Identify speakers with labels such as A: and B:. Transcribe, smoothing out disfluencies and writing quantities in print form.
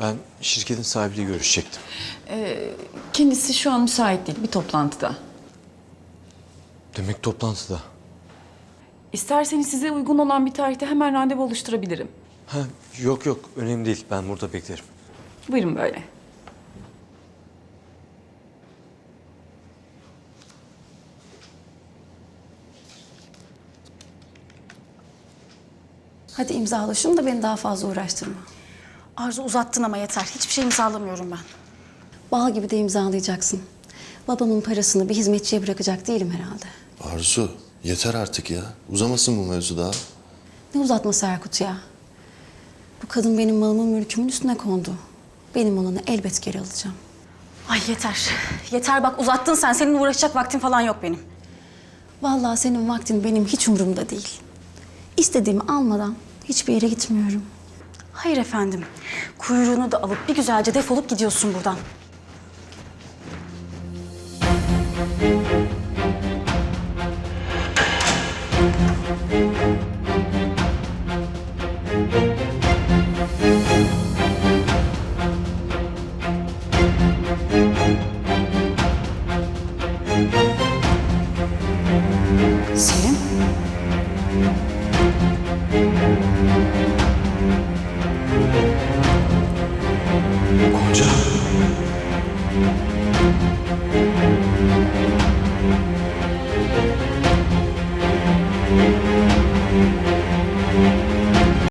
A: Ben şirketin sahibiyle görüşecektim.
B: Kendisi şu an müsait değil, bir toplantıda.
A: Demek toplantıda.
B: İsterseniz size uygun olan bir tarihte hemen randevu oluşturabilirim.
A: Ha, yok yok, önemli değil. Ben burada beklerim.
B: Buyurun böyle.
C: Hadi imzala şunu da beni daha fazla uğraştırma.
D: Arzu uzattın ama yeter. Hiçbir şey imzalamıyorum ben.
C: Bal gibi de imzalayacaksın. Babamın parasını bir hizmetçiye bırakacak değilim herhalde.
E: Arzu, yeter artık ya. Uzamasın bu mevzu daha.
C: Ne uzatması Erkut ya? Bu kadın benim malımın mülkümün üstüne kondu. Benim olanı elbet geri alacağım.
D: Ay yeter. Yeter bak uzattın sen. Seninle uğraşacak vaktim falan yok benim.
C: Vallahi senin vaktin benim hiç umurumda değil. İstediğimi almadan hiçbir yere gitmiyorum.
D: Hayır efendim. Kuyruğunu da alıp bir güzelce defolup gidiyorsun buradan. Selim.
A: Gonca.